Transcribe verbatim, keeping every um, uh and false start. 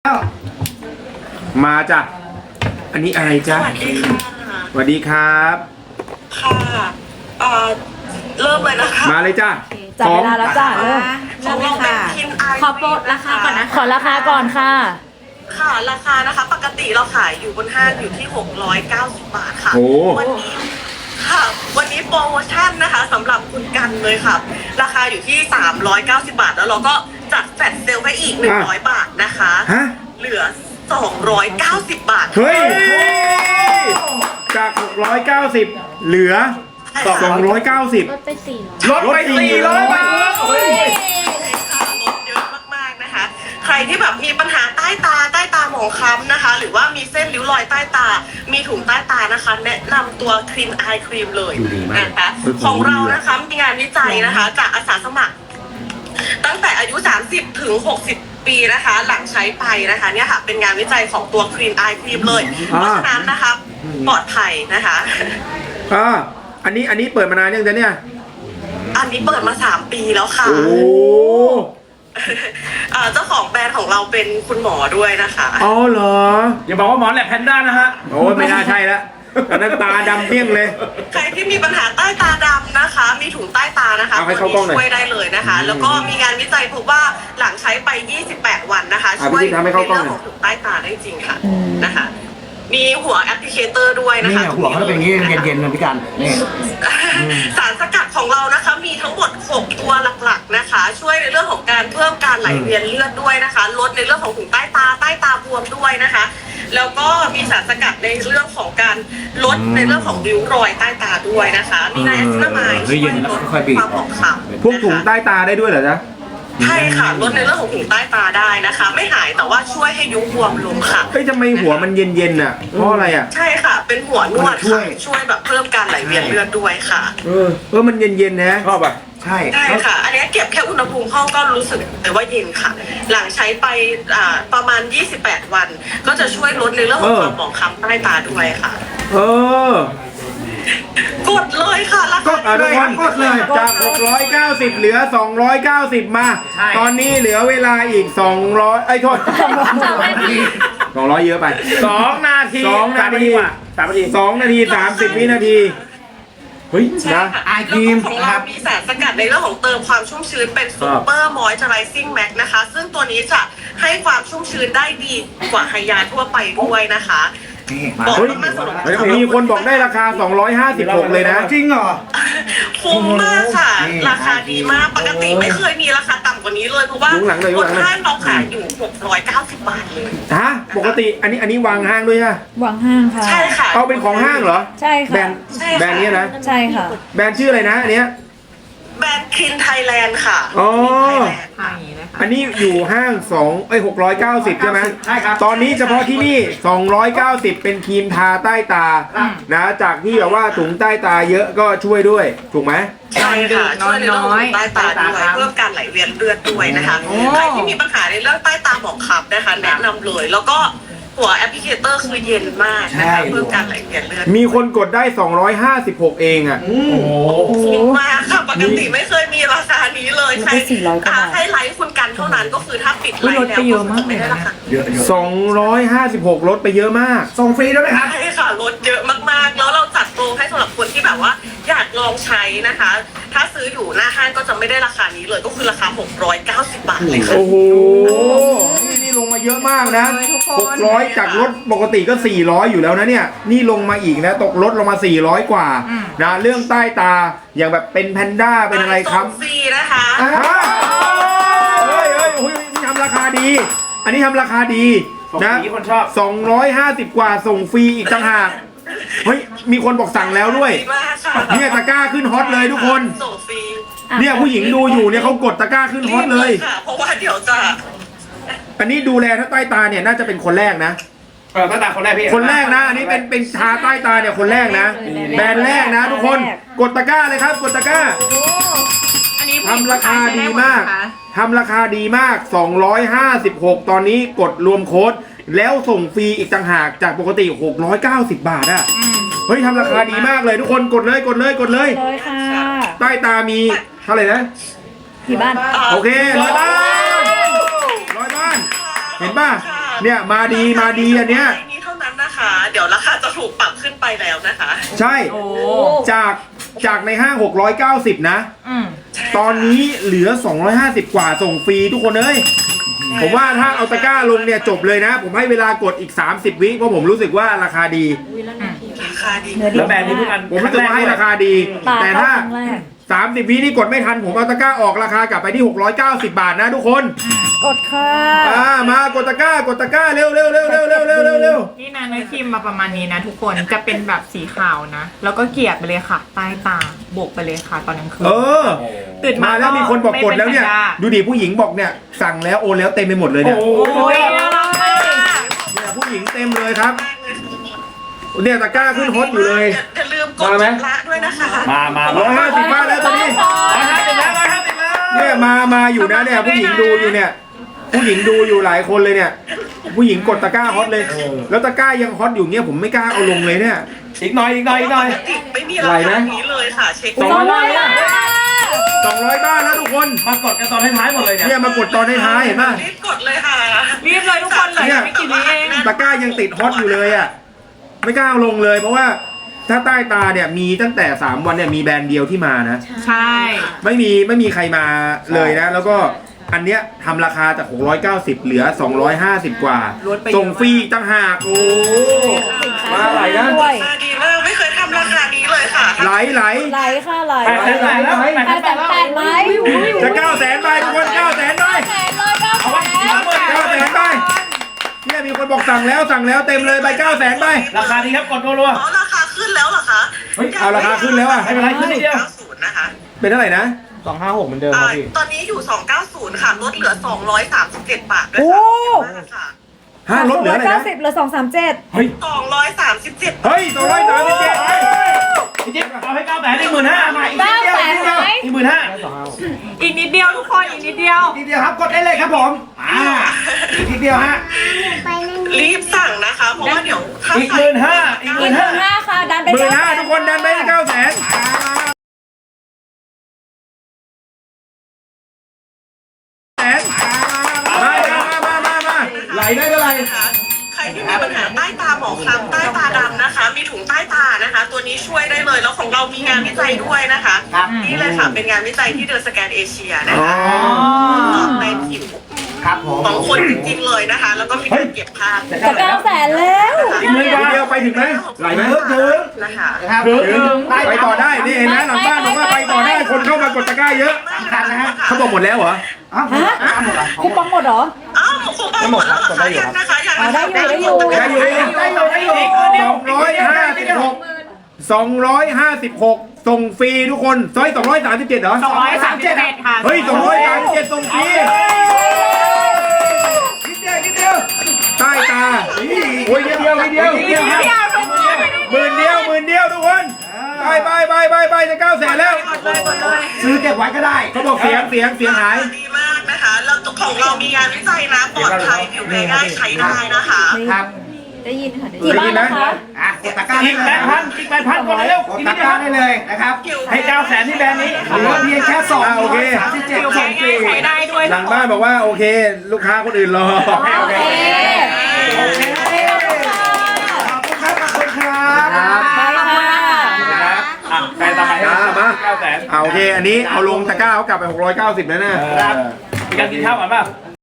มาจ้ะอันนี้อะไรจ๊ะสวัสดีค่ะสวัสดีครับค่ะเอ่อเริ่มเลยนะคะมาเลยจ้ะจับเวลาแล้วจ้าเริ่มของเราเป็นคินไอขอโปรดราคาก่อนนะขอราคาก่อนค่ะค่ะราคานะคะ ปกติเราขายอยู่บนห้างอยู่ที่หกร้อยเก้าสิบบาทค่ะโอ้วันนี้ค่ะวันนี้โปรโมชั่นนะคะสำหรับคุณกันเลยค่ะ ราคาอยู่ที่สามร้อยเก้าสิบบาท แล้วเราก็จัดแฟลชเซลให้อีกหนึ่งร้อยบาทนะคะฮะเหลือสองร้อยเก้าสิบบาทเฮ้ยจากหกร้อยเก้าสิบเหลือสองร้อยเก้าสิบลดไปสี่ร้อยลดไปสี่ร้อยบาทค่ะลดเยอะมากๆนะคะ ใครที่แบบมีปัญหาใต้ตาใต้ตาหมองคล้ำนะคะ หรือว่ามีเส้นริ้วรอยใต้ตา มีถุงใต้ตานะคะ แนะนำตัวครีมไอครีมเลยนะคะของเรานะคะมีงานวิจัยนะคะ จากอาสาสมัคร ตั้งแต่อายุ สามสิบ ถึง หกสิบ ปีนะคะ หลังใช้ไปนะคะเนี่ยค่ะเป็นงานวิจัยของตัวครีมไอครีมเลยเพราะฉะนั้นนะคะปลอดภัยนะคะอ่าอันนี้อันนี้เปิดมานานยังจ๊ะเนี่ยอันนี้เปิดมาสามปีแล้วค่ะโอ้อ่าเจ้าของแบรนด์ของเราเป็นคุณหมอด้วยนะคะอ๋อเหรออย่าบอกว่าหมอแหลบแพนด้านะฮะโอ้ยไม่น่าใช่ละอันนั้นตาดำเปี้ยงเลยใครที่มีปัญหาใต้ตาดำนะคะ มีถุงใต้ตานะคะเอาให้ตัวเข้ากล้องหน่อยนี้ช่วยได้เลยนะคะ แล้วก็มีงานวิจัยพบว่าหลังใช้ไป ยี่สิบแปด วันนะคะอ่ะช่วยพี่ทำให้เข้ากล้องในหน่เรื่อยของถุงใต้ตาได้จริงค่ะนะคะ มีหัวแอปพลิเคเตอร์ด้วยนะนี่คะหัวเขาจะเป็นอย่างนี้เย็นๆนะพี่กันนี่สารสกัดของเรานะคะมีทั้งหมดหกตัวหลักๆนะคะ ช่วยในเรื่องของการเพิ่มการไหลเวียนเลือดด้วยนะคะ ลดในเรื่องของถุงใต้ตาใต้ตาบวมด้วยนะคะ แล้วก็มีสารสกัดในเรื่องของการลดในเรื่องของริ้วรอยใต้ตาด้วยนะคะ มีไนแอซินามายด์เฮ้ยช่เย็วยนลดค่อยๆบีบความหมองคล้ำพวกถุงใต้ตาได้ด้วยเหรอจ๊ะใช่ค่ะลดในเรื่องของถุงใต้ตาได้นะคะ ไม่หายแต่ว่าช่วยให้ยุบบวมลงค่ะเฮ้ยทำไมหัวมันเย็นๆน่ะเพราะอะไรอ่ะใช่ค่ะ เป็นหัวนวดค่ะช่วยแบบเพิ่มการไหลเวียนเลือดด้วยค่ะเออเออมันเย็นๆนะชอบอ่ะ ใช่ใช่ค่ะ อันนี้เก็บแค่อุณหภูมิห้องก็รู้สึกแต่ว่าเย็นค่ะ หลังใช้ไปอ่าประมาณ ยี่สิบแปด วัน ก็จะช่วยลดในเรื่องของความหมองคล้ำใต้ตาด้วยค่ะเออกดเลยค่ะราก็คาอ่ะทุกคนกดเลยจากหกร้อยเก้าสิบเหลือสองร้อยเก้าสิบมาใช่ตอนนี้เหลือเวลาอีกสองร้อยไอ้ยโทษสองร้อยเยอะไปสองนาทีสองนาทีสมกว่าสามนาทีสองนาทีสามสิบวินาทีเฮ้ยใช่นะค่ะไอครีมแล้วก็ของเรามีสารสกัดในเรื่องของเติมความชุ่มชื้นเป็นซูเปอร์มอยเจอไรซิ่งแม็กนะคะ ซึ่งตัวนี้จะให้ความชุ่มชื้นได้ดีกว่าไฮยาทั่วไปด้วยนะคะนี่มาบอกเฮ้ยมากๆสำหรับเฮ้ยมีคนบอกได้ราคาสองร้อยห้าสิบหกเลยนะจริงเหรอคุ้มมากค่ะนี่ราคาดีมากปกติไม่เคยมีราคาต่ำกว่านี้เลยเพราะว่ายุคหลังเลยยุบคหลันงเลยห้างเราขายอยู่หกร้อยเก้าสิบบาทเลยฮะปกติอันนี้อันนี้วางห้างด้วยฮะวางห้างค่ะใช่ค่ะเอาเป็นของห้างเหรอใช่แบรค่ะนด์ใช่ค่ะแบรนด์เนี้ยนะใช่ค่ะแบรนด์ชื่ออะไรนะอันเนี้ยแบรนด์คินไทยแลนด์ค่ะอ๋อ Thailand อันนี้อยู่ห้างสองเอ้ยหกร้อยเก้าสิบใช่ไหมใช่ครับตอนนี้เฉพาะที่นี่สองร้อยเก้าสิบเป็นครีมทาใต้ตานะจากที่แบบว่าถุงใต้ตาเยอะก็ช่วยด้วยถูกไหมใช่ค่ะช่วยในเรื่องของใต้ตาด้วยเพิ่มการไหลเวียนเลือดด้วยนะคะใครที่มีปัญหาในเรื่องใต้ตาหมองคล้ำนะคะแนะนำเลย แล้วก็หัวแอปพลิเคเตอร์คือเย็นมากนะคะเพิ่มการไหลเวียนเลือดมีคนกดได้สองร้อยห้าสิบหกเองอ่ะโอ้โหคุ้มมากค่ะปกติไม่เคยมีราคานี้เลยใช่ลดไปสี่ร้อยกว่าบาทให้ไลฟ์คุณกันเท่านั้นก็คือถ้าปิดไลฟ์ลดแล้วไปเยอะมากไม่ได้ราคาเยอะเยอะสองร้อยห้าสิบหกลดไปเยอะมากส่งฟรีด้วยไหมครับใช่ค่ะลดเยอะมากๆ แล้วเราจัดโปรให้สำหรับคนที่แบบว่าอยากลองใช้นะคะ ถ้าซื้ออยู่หน้าห้างก็จะไม่ได้ราคานี้เลยก็คือราคาหกร้อยเก้าสิบบาทเลยค่ะโอ้โห นี่นี่ลงมาเยอะมากนะหกร้อยจากรถปกติก็สี่ร้อยอยู่แล้วนะเนี่ย นี่ลงมาอีกนะ ตกลดลงมาสี่ร้อยกว่านะเรื่องใต้ตาอย่างแบบเป็นแพนด้าเป็นอะไรครับส่งฟรีนะคะอ่ะเฮ้ยเฮ้ยโอ้ยนี่ทำราคาดี อันนี้ทำราคาดีส่งนะฟรีคนชอบสองร้อยห้าสิบกว่าส่งฟรีอีกต่างหากเฮ้ยมีคนบอกสั่งแล้วด้วยดีมากค่ะเนี่ยตะกร้าขึ้นฮอตเลยทุกคนส่งฟรีเนี่ยผู้หญิงดูอยู่เนี่ยเขากดตะกร้าขึ้นฮอตเลยรีบค่ะเพราะว่าเดี๋ยวจะอันนี้ดูแลถ้าใต้ตาเนี่ยน่าจะเป็นคนแรกนะเออตั้งแต่คนแรกพี่คนแรกนะ อันนี้เป็นเป็นทาใต้ตาเนี่ยคนแรกนะ แบรนด์แรกนะ ทุกคนกดตะกร้าเลยครับ กดตะกร้าอันนี้ทำราคาดีมากทำราคาดีมากสองร้อยห้าสิบหกตอนนี้กดรวมโค้ดแล้วส่งฟรีอีกต่างหากจากปกติหกร้อยเก้าสิบบาทอะเฮ้ยทำราคาดีมากเลยทุกคนกดเลยกดเลยกดเลยเลยค่ะใต้ตามีเท่าไหร่นะที่บ้านโอเคร้อยบ้านร้อยบ้าน เห็นป่ะค่ะเนี่ยมาดีมาดีอันเนี้ยนี้เท่านั้นนะคะ เดี๋ยวราคาจะถูกปรับขึ้นไปแล้วนะคะใช่โอ้จากจากในห้างหกร้อยเก้าสิบนะอืมตอนนี้เหลือสองร้อยห้าสิบกว่าส่งฟรีทุกคนเอ้ยผมว่าถ้าเอาตะกร้าลงเนี่ยจบเลยนะ ผมให้เวลากดอีกสามสิบวิเพราะผมรู้สึกว่าราคาดีราคาดีเนื้อดีแล้วแบรนด์นี้เพิ่งอันผมรู้สึกว่าให้ราคาดีตาแต่เข้าถ้าครั้งแรกสามสิบวินี่กดไม่ทันผมเอาตะกร้าออกราคากลับไปที่หกร้อยเก้าสิบบาทนะทุกคนกดค่ะอ่ามากดตะกร้ากดตะกร้าเร็วเร็วเร็วเร็วเร็วเร็วเร็วเร็วนี่นะเนื้อครีมมาประมาณนี้นะทุกคนจะเป็นแบบสีขาวนะ แล้วก็เกลี่ยไปเลยค่ะ ใต้ตาโบกไปเลยค่ะตอนกลางคืนเออตื่นมามาแล้วมีคนบอกกดแล้วเนี่ยไม่เป็นสัญญาดูดิผู้หญิงบอกเนี่ยสั่งแล้วโอนแล้วเต็มไปหมดเลยเนี่ยโอ้โอ้ยน่ารักมากเนี่ยผู้หญิงเต็มเลยครับเนี่ยตะกร้าขึ้นฮอตอยู่เลยอย่าลืมกดมาไหมชำระด้วยนะคะมามาร้อยห้าสิบบาทแล้วตอนนี้ร้อยห้าสิบแล้วร้อยห้าสิบแล้วเนี่ยมามาอยู่นะเนี่ยผู้หญิงดูอยู่เนี่ย ผู้หญิงดูอยู่หลายคนเลยเนี่ย ผู้หญิงกดตะกร้าฮอตเลย แล้วตะกร้ายังฮอตอยู่เงี้ยผมไม่กล้าเอาลงเลยเนี่ยอีกหน่อยอีกหน่อยอีกหน่อยไม่มีราไหลไหมคานี้เลยค่ะ เช็คสองร้อยบาทสองร้อยบาทแล้วทุกคนมากดกันตอนท้ายๆหมดเลยเนี่ยเนี่ยมากดตอนท้ายๆเห็นป่ะรีบกดเลยค่ะรีบเลยทุกคนเลยไม่กี่วิเองตะกร้ายังติดฮอตอยู่เลยอ่ะไม่กล้าเอาลงเลย เพราะว่าถ้าใต้ตาเนี่ยมีตั้งแต่สามวันเนี่ยมีแบรนด์เดียวที่มานะใช่ไม่มีไม่มีใครมาเลยนะ แล้วก็อันเนี้ยทำราคาจากหกร้อยเก้าสิบเหลือสองร้อยห้าสิบกว่าลดไปเยอะส่งฟรีอีกต่างหากโอ้มาไหลนะด้วยราคาดีมากไม่เคยทำราคานี้เลยค่ะไหลไหลไหลค่ะไหลแปดแสนแปดแล้วแปดแปแสดนแสแปดนแล้วแปดไหมจะเก้าแสนใบทุกคนเก้าแสนใบแสนเลยเก้าแสนเก้าแสนใบเนี่ยมีคนบอกสั่งแล้วสั่งแล้วเต็มเลยใบเก้าแสนใบราคาดีครับกดรัวอ๋อราคาขึ้นแล้วเหรอคะเฮ้ยเอาราคาขึ้นแล้วอะไม่เป็นไรขึ้นนิดเดียวเก้าสิบนะคะเป็นเท่าไหร่นะสองห้าหกเหมือนเดิมคอ่ารับพี่ตอนนี้อยู่ สองร้อยเก้าสิบ ค่ะ ลดเหลือ สองร้อยสามสิบเจ็ด บาทด้วยโอ้ค่ะฮะลดเหลืออะไรเก้านะสิบเหลือสองสามเจ็ดเฮ้ยสองร้อยสามสิบเจ็ดเฮ้ยสองร้อยสามสิบเจ็ดพี่จิ๊บเอาให้เก้าแสนอีกหมื่นห้ามาอีกเก้าแสนไหมอีกหมื่นห้าอีกนิดเดียวทุกคนอีกนิดเดียวทีเดียวครับกดได้เลยครับผมอ่าอีกทีเดียวฮะรีบสั่งนะคะ เพราะว่าเดี๋ยวถ้าอีกหมื่นห้าอีกหอีมื่กนหห้ามื่นห้าค่ะดันไปหมื่นเก้าห้าแสนทุกคนดันไปเก้าแสนแสนมามามามามาไหลได้เท่าไหร่นะคะใครที่มีปัญหาใต้ตาหมองคล้ำใต้ตาดำนะคะ มีถุงใต้ตานะคะ ตัวนี้ช่วยได้เลย แล้วของเรามีงานวิจัยด้วยนะคะ นี่เลยค่ะ เป็นงานวิจัยที่เดอะสแกนเอเชียนะคะตอบในผิวครับผมของคนจริงๆเลยนะคะ แล้วก็มีการเก็บภาพจะเก้าแสนแล้วอีกหมื่นเดียวไปถึงไหมไหลไหมถึงนะคะนะครับถึงไปต่อได้นี่เห็นไหมหลังบ้านบอกว่าไปต่อได้คนเข้ามากดตะกร้าเยอะสำคัญนะฮะเขาบอกหมดแล้วเหรออ้าวฮะคูปองหมดเหรออ้าวคงไปหมดแล้วเหรอคะยังนะคะยังอ๋อได้อยู่ได้อยู่ได้อยู่ได้อยู่ได้อยู่สองร้อยห้าสิบหกสองร้อยห้าสิบหกส่งฟรีทุกคนซอยสองร้อยสามสิบเจ็ดเหรอสองร้อยสามสิบเจ็ดค่ะเฮ้ยสองร้อยสามสิบเจ็ดส่งฟรีนิดเดียวนิดเดียวใต้ตาโอ้ยนิดเดียวนิดเดียวนิดเดียวครับหมื่นเดียวหมื่นเดียวทุกคนไปไปไปไปไปจะเก้าแสนแล้วซื้อเก็บไว้ก็ได้เขาบอกเสียงเสียงเสียงหายดีมากนะคะแล้วของเรามีงานวิจัยนะปลอดภัยผิวแพ้ง่ายใช้ได้นะคะครับได้ยินค่ะกี่บ้านนะคะอ่ะกดตะกร้าอีกแปดพันอีกแปดพันกดเร็วกดอีกตะนิดกเดียร้าว ได้เลยนะครับ ให้เก้าแสนที่แบรนด์นี้เหลือเพียงแค่สองอ่ะโอเคสามสิบเจ็ดผิวส่แพ้งฟรีง่ายใช้ได้ด้วยหลังบ้านบอกว่าโอเค ลูกค้าคนอื่นรอโอเคขอบคุณครับขอบคุณครับครับไปค่ะครับอ่ะใครต่อไปอ่ะมาเก้าแสนเอาโอเค อันนี้เอาลงตะกร้าเขากลับไปหกร้อยเก้าสิบแล้วนะครับมีการกินข้าวก่อนเปล่า